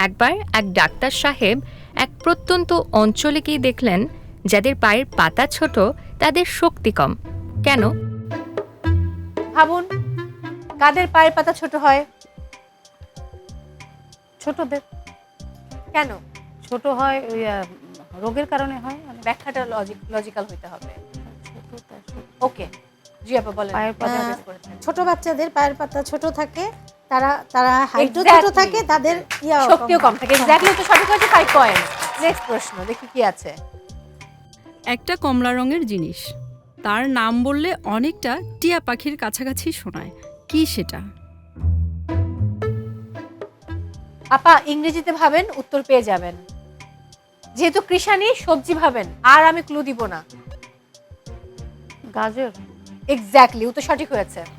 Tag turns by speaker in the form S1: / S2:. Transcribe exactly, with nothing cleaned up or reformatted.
S1: একবার এক ডাক্তার সাহেব এক প্রত্যন্ত অঞ্চলে গিয়ে দেখলেন যাদের পায়ের পাতা ছোট তাদের শক্তি কম। কেন?
S2: ভাবুন, কাদের পায়ের পাতা ছোট হয়?
S3: ছোটদের
S2: কেন?
S3: ছোট হয় ওই আহ, রোগের কারণে হয়। মানে
S2: ব্যাখ্যাটা লজিক লজিক্যাল হইতে হবে।
S3: ছোটটা ছোট।
S2: ওকে, জি আপা বলেন।
S3: পায়ের পাতা
S2: আহ,
S4: আহ, ছোট বাচ্চাদের পায়ের পাতা ছোট থাকে, তারা তারা হাইটও ছোট
S2: Exactly.
S4: থাকে, তাদের ইয়া
S2: শক্তিও কম থাকে। এক্স্যাক্টলি, তো সঠিক হয়েছে ফাইভ পয়েন্ট। নেক্সট প্রশ্ন দেখি কি আছে।
S5: একটা কমলা রঙের জিনিস, তার নাম বললে অনেকটা টিয়া পাখির কাছাকাছি শোনায়, কি সেটা?
S2: আপা ইংরেজিতে ভাবেন, উত্তর পেয়ে যাবেন। যেহেতু কৃষানি, সবজি ভাবেন, আর আমি ক্লু দিব না।
S3: গাজর।
S2: এক্স্যাক্টলি, উত্তর সঠিক হয়েছে।